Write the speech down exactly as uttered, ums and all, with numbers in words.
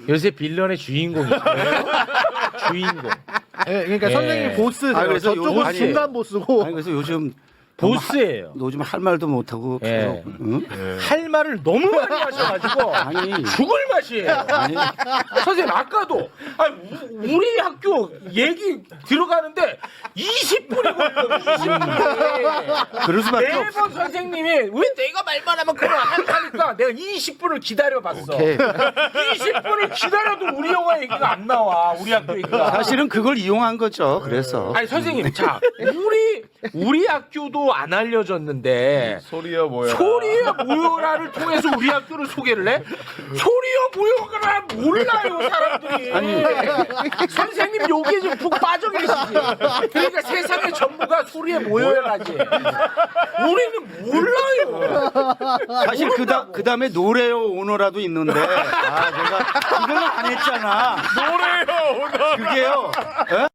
요새 빌런의 주인공이죠. 주인공. 예, 그러니까 예. 선생님이 보스세요. 아, 그래서 저쪽은 요- 아니, 중간 보스고. 아니 그래서 요즘 보스예요. 요즘 할 말도 못하고 예. 계속 응? 할 말을 너무 많이 하셔가지고 아니. 죽을 맛이에요. 아니 선생님 아까도 아니, 우- 우리 학교 얘기 들어가는데 이십 분이 걸려요. 이십 분이. 그럴 수밖에 없어. 매번 선생님이 왜 내가 말만 하면 그걸 안 하니까 내가 이십 분을 기다려봤어. 오케이. 이십 분을 기다려도 우리 영화 얘기가 안 나와. 우리 학교 얘기가. 사실은 그걸 이용한 거죠. 그래서 아니 선생님 자 우리 우리 학교도 안 알려졌는데 소리야 뭐야? 소리야 모여라를 통해서 우리 학교를 소개를 해? 소리야 모여라 몰라요 사람들이. 아니. 선생님 여기에 좀 푹 빠져 계시지. 그러니까 세상의 전부가 소리에 모여라지. 우리는 몰라요. 사실 그다 그 다음에 노래요 오너라도 있는데 아 제가 이걸 안 했잖아. 노래요 오늘. 그게요. 에?